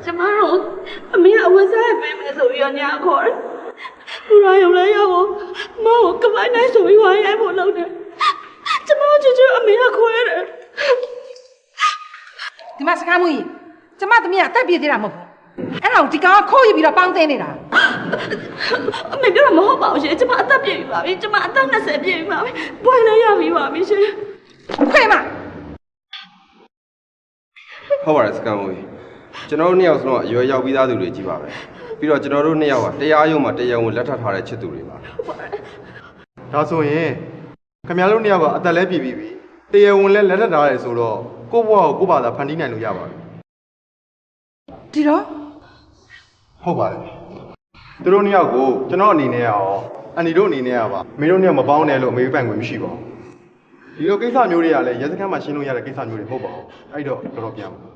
ကျမတို့အမေအဝတ်စားပေးမယ်ဆိုပြီးတော့ညာခေါ်တယ်လူရရုံလဲရောက်ကိုမောင်ကိုကမိုင်းနိုင်ဆိုပြီးဝိုင်းရိုက်ဖို့လုပ်တယ်ကျမတို့ချွတ်အမေကခွဲတယ်ဒီမှာစကားမွေးကျမသမီးကအသက်ပြည့်သေးတာမဟုတ်ဘူးအဲ့ဒါကိုဒီကောင်ကခိုးယူပြီးတော့ပေါင်းသိနေတာအမေပြောတာမဟုတ်ပါဘူးရှင်ကျမအသက်ပြည့်ပြီပါပြီကျမအသက်20ပြည့်ပြီပါပြီဘွယ်လည်းရပြီပါပြီရှင်ခွေမဟုတ်ပါတယ်စကံမွေကျွန်တော်တို့နှစ်ယောက်စလုံးအရွယ်ရောက်ပြီးသားသူတွေကြီးပါပဲပြီးတော့ကျွန်တော်တို့နှစ်ယောက်ကတရားရုံးမှာတရားဝင်လက်ထပ်ထားတဲ့ချစ်သူတွေပါဒါဆိုရင်ခင်ဗျားတို့နှစ်ယောက်ကအသက်လဲပြည့်ပြီတရားဝင်လဲလက်ထပ်ထားတယ်ဆိုတော့ကိုယ့်ဘဝကိုကိုယ့်ဘာသာဖန်တီးနိုင်လို့ရပါပြီဒီတော့ဟုတ်ပါတယ်သူတို့နှစ်ယောက်ကိုကျွန်တော်အနေနဲ့ရောအန်ဒီတို့အနေနဲ့ရောပါမင်းတို့နှစ်ယောက်မပေါင်းနဲ့လို့အမေပိုင်ခွင့်မရှိပါဘူးဒီလိုကိစ္စမျိုးတွေကလည်းရဲစခန်းမှာရှင်းလို့ရတဲ့ကိစ္စမျိုးတွေမဟုတ်ပါဘူးအဲ့တော့တော်တော်ပြန်ပါ